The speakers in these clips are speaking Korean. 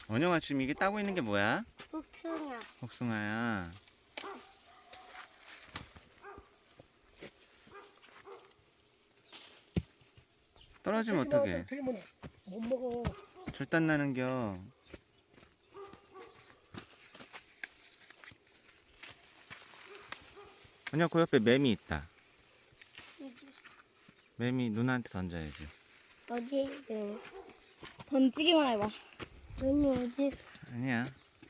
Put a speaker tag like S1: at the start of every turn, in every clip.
S1: 원영아, 지금 이게 따고 있는 게 뭐야?
S2: 복숭아.
S1: 복숭아야. 떨어지면 어떡해?
S3: 틀리면 못 먹어.
S1: 절단 나는겨. 원영아, 그 옆에 매미 있다. 매미 누나한테 던져야지.
S2: 어디? 네.
S4: 던지기만 해봐.
S2: 언니 어디?
S1: 아니야.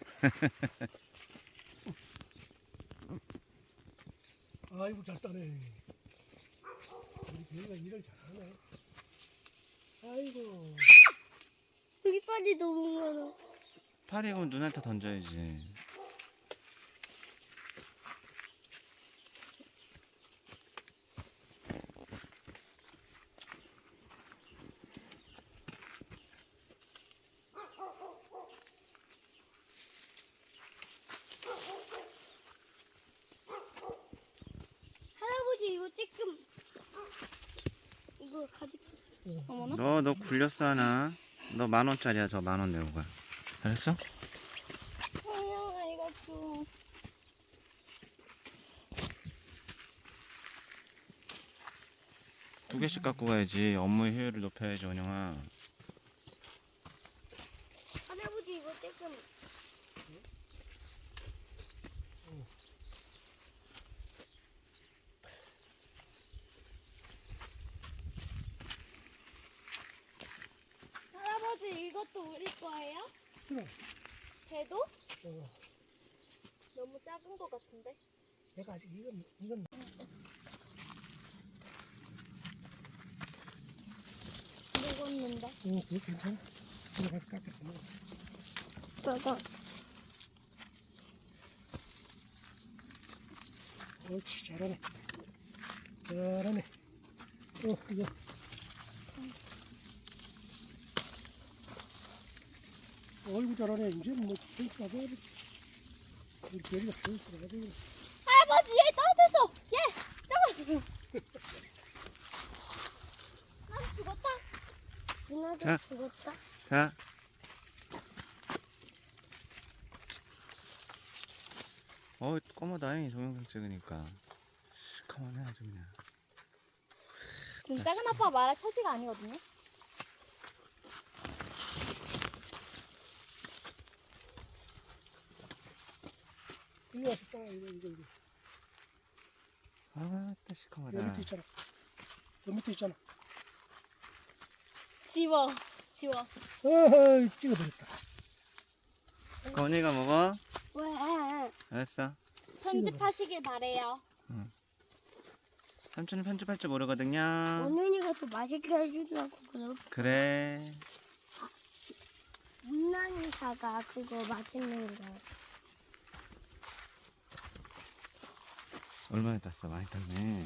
S3: 아이고 잘 따네. 우리 배가 일을 잘하네. 아이고.
S2: 여기까지 너무 많아.
S1: 파리고 누나한테 던져야지.
S2: 할아버지 이거 조금 이거 가지고.
S4: 어머나.
S1: 너 굴렸어 하나? 너 10,000원짜리야. 저 10,000원 내고 가. 잘했어?
S4: 원영아 이거 줘.
S1: 두 개씩 갖고 가야지. 업무의 효율을 높여야지, 원영아.
S2: 할아버지 이거 조금.
S4: 할아버지 이것도 우리 거예요?
S3: 그래.
S4: 배도?
S3: 어,
S4: 너무 작은 거 같은데?
S3: 내가 아직 이건
S4: 먹었는데.
S3: 그거 괜찮아. 내가 가서 깎아서 먹어.
S2: 저거.
S3: 옳지 잘하네. 잘하네. 이거. 어이구 잘하네. 이제 뭐 손가락 우리 별이가 손가락 가지고.
S4: 할아버지 얘 떨어졌어. 얘 잠깐. 난 죽었다.
S2: 누나도
S1: 자.
S2: 죽었다.
S1: 자. 꼬마 다행히 동영상 찍으니까. 시커먼해, 아주 그냥.
S4: 지금 작은 아빠 말할 처지가 아니거든요.
S3: 이리 와서 따. 이거.
S1: 아, 또
S3: 여
S1: 시커먼다.
S3: 밑에 있잖아. 여 밑에 있잖아.
S4: 지워.
S3: 어허 찍어버렸다.
S1: 건이가 먹어?
S2: 왜?
S1: 알았어.
S4: 편집하시길 바래요.
S1: 삼촌은 편집할 줄 모르거든요.
S2: 원윤이가 더 맛있게 해주려고 그렇게.
S1: 그래.
S2: 문난이사가 그거 맛있는 거.
S1: 얼마나 땄어? 많이 땄네.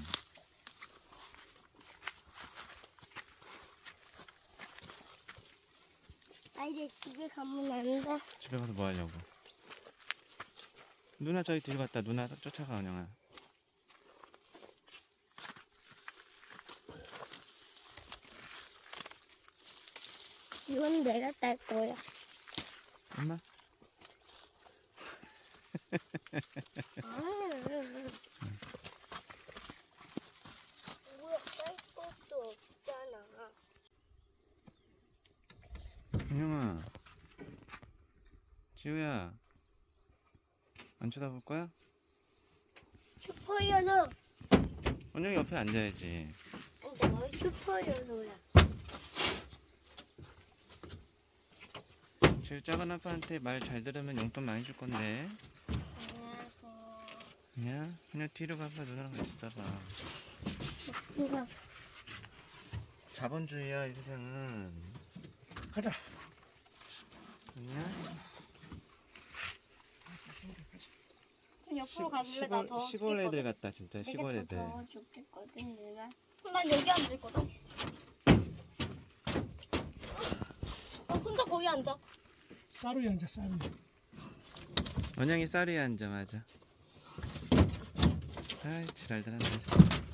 S2: 아 이제 집에 가면 안 돼.
S1: 집에 가서 뭐 하려고? 누나 저기 뒤로 갔다. 누나 쫓아가, 원영아.
S2: 이건 내가 딸 거야.
S1: 엄마?
S2: 뭐야 딸 것도 없잖아.
S1: 원영아. 지우야. 안 쳐다볼 거야?
S2: 슈퍼연어.
S1: 원영이 옆에 앉아야지.
S2: 내가 슈퍼연어야.
S1: 지우 작은 아빠한테 말 잘 들으면 용돈 많이 줄 건데. 그냥 뒤로 가봐. 누나랑 같이 있어봐.
S2: 그냥
S1: 자본주의야, 이 세상은.
S3: 가자.
S1: 그냥
S4: 좀 옆으로 가줄래? 나 더
S1: 시골 애들
S4: 죽겠거든.
S1: 같다, 진짜. 시골 애들.
S2: 내가 더 좋겠거든 내가.
S4: 난 여기 앉을 거다. 혼자 거기 앉아.
S3: 쌀이 앉아 쌀이.
S1: 원영이 쌀이 앉아, 맞아. 아이, 지랄들 한다.